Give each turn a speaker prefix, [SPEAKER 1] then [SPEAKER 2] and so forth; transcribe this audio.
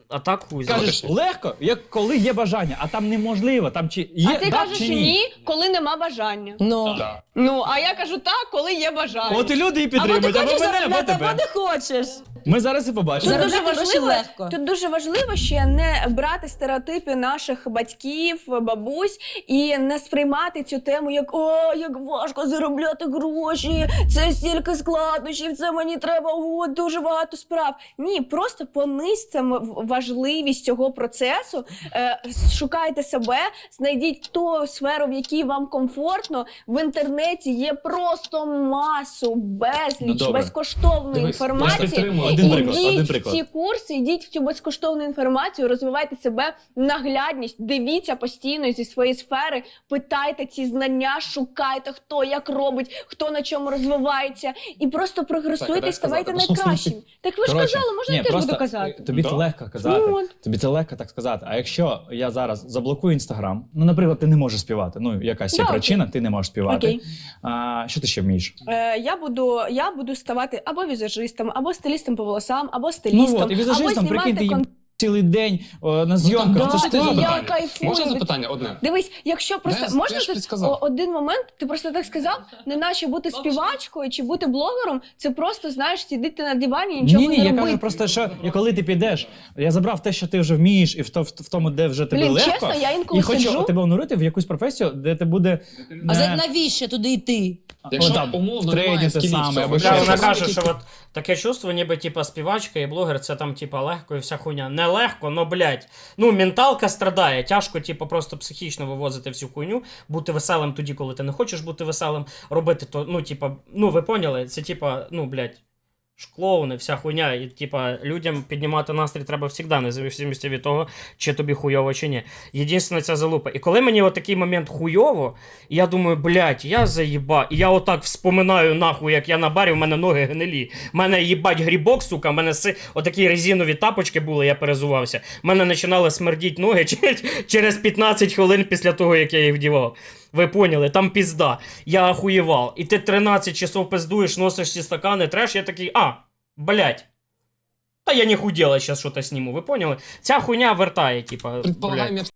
[SPEAKER 1] А так хуй.
[SPEAKER 2] Кажеш, легко, як коли є бажання, а там неможливо. Там чи є,
[SPEAKER 3] А ти
[SPEAKER 2] да,
[SPEAKER 3] кажеш
[SPEAKER 2] чи
[SPEAKER 3] ні, коли нема бажання. Ну, а я кажу так, коли є бажання.
[SPEAKER 2] От і люди і
[SPEAKER 4] Або ти
[SPEAKER 2] підтримують, або
[SPEAKER 4] хочеш
[SPEAKER 2] мене, або
[SPEAKER 4] заробляти, або
[SPEAKER 2] тебе.
[SPEAKER 4] не хочеш.
[SPEAKER 2] Ми зараз і побачимо.
[SPEAKER 3] Тут дуже
[SPEAKER 4] Заробляти гроші
[SPEAKER 3] важливо,
[SPEAKER 4] легко.
[SPEAKER 3] тут дуже важливо ще не брати стереотипи наших батьків, бабусь і не сприймати цю тему як «О, як важко заробляти гроші, це стільки складнощів, це мені треба дуже багато справ». Ні, просто понизьте важливість цього процесу, шукайте себе, знайдіть ту сферу, в якій вам комфортно. В інтернеті є просто масу, безліч безкоштовної інформації. Ідіть в ці курси, йдіть в цю безкоштовну інформацію, розвивайте себе, наглядність, дивіться постійно зі своєї сфери, питайте ці знання, шукайте, хто як робить, хто на чому розвивається, і просто прогресуйте, ставайте найкращим. Так ви ж казали, можна я теж буду казати?
[SPEAKER 2] Тобі це легко казати, тобі це легко так сказати. А якщо я зараз заблокую Інстаграм, ну, наприклад, ти не можеш співати, ну, якась є причина, ти не можеш співати. Що ти ще вмієш?
[SPEAKER 3] Я буду ставати або візажистом, або стилістом по волосам, або стилістом,
[SPEAKER 2] Ну от, і візажистом,
[SPEAKER 3] або
[SPEAKER 2] прикинь, ти
[SPEAKER 3] знімати
[SPEAKER 2] їм цілий день на зйомках. Це ж ти
[SPEAKER 3] я
[SPEAKER 2] запитання.
[SPEAKER 3] кайфую.
[SPEAKER 5] Можна запитання одне?
[SPEAKER 3] Дивись, якщо просто
[SPEAKER 5] Я
[SPEAKER 3] можна
[SPEAKER 5] ж
[SPEAKER 3] тут
[SPEAKER 5] підсказав.
[SPEAKER 3] один момент, ти просто так сказав, не наче бути співачкою чи бути блогером, це просто, знаєш, сидіти на дивані і нічого
[SPEAKER 2] Ні,
[SPEAKER 3] не
[SPEAKER 2] я
[SPEAKER 3] робити.
[SPEAKER 2] кажу просто, що коли ти підеш, я забрав те, що ти вже вмієш, і в тому, де вже тобі легко,
[SPEAKER 3] чесно, я інколи
[SPEAKER 2] і хочу
[SPEAKER 3] сиджу.
[SPEAKER 2] тебе онурити в якусь професію, де ти буде...
[SPEAKER 4] А навіщо туди йти?
[SPEAKER 5] Якщо
[SPEAKER 2] там,
[SPEAKER 5] умовно
[SPEAKER 2] трейді
[SPEAKER 5] немає
[SPEAKER 2] те
[SPEAKER 5] скілів
[SPEAKER 2] саме,
[SPEAKER 5] цього,
[SPEAKER 2] або
[SPEAKER 5] що
[SPEAKER 2] ще
[SPEAKER 1] Вона
[SPEAKER 5] щось.
[SPEAKER 1] каже, що от таке чувство, ніби типа співачка і блогер, це там типа легко і вся хуйня. Не легко, но блядь. Ну, менталка страдає. Тяжко, типа, просто психічно вивозити всю хуйню, бути веселим тоді, коли ти не хочеш бути веселим, робити то, ну, типа, ну ви поняли, це типа, ну, блядь. Клоуни, вся хуйня, і типа людям піднімати настрій треба завжди, незалежно від того, чи тобі хуйово, чи ні. Єдине, ця залупа. І коли мені отакий момент хуйово, і я думаю, блядь, я заїба, і я отак вспоминаю нахуй, як я на барі, в мене ноги гнилі. В мене їбать грібок, сука, в мене отакі резинові тапочки були, я перезувався. В мене починали смердіть ноги через 15 хвилин після того, як я їх вдівав. Ви поняли, там пізда. Я охуєвав. І ти 13 часов пиздуєш, носиш ці стакани, треш, я такий, блядь. Та я не худела, зараз щось зніму, ви поняли? Ця хуйня вертає, типа, блядь.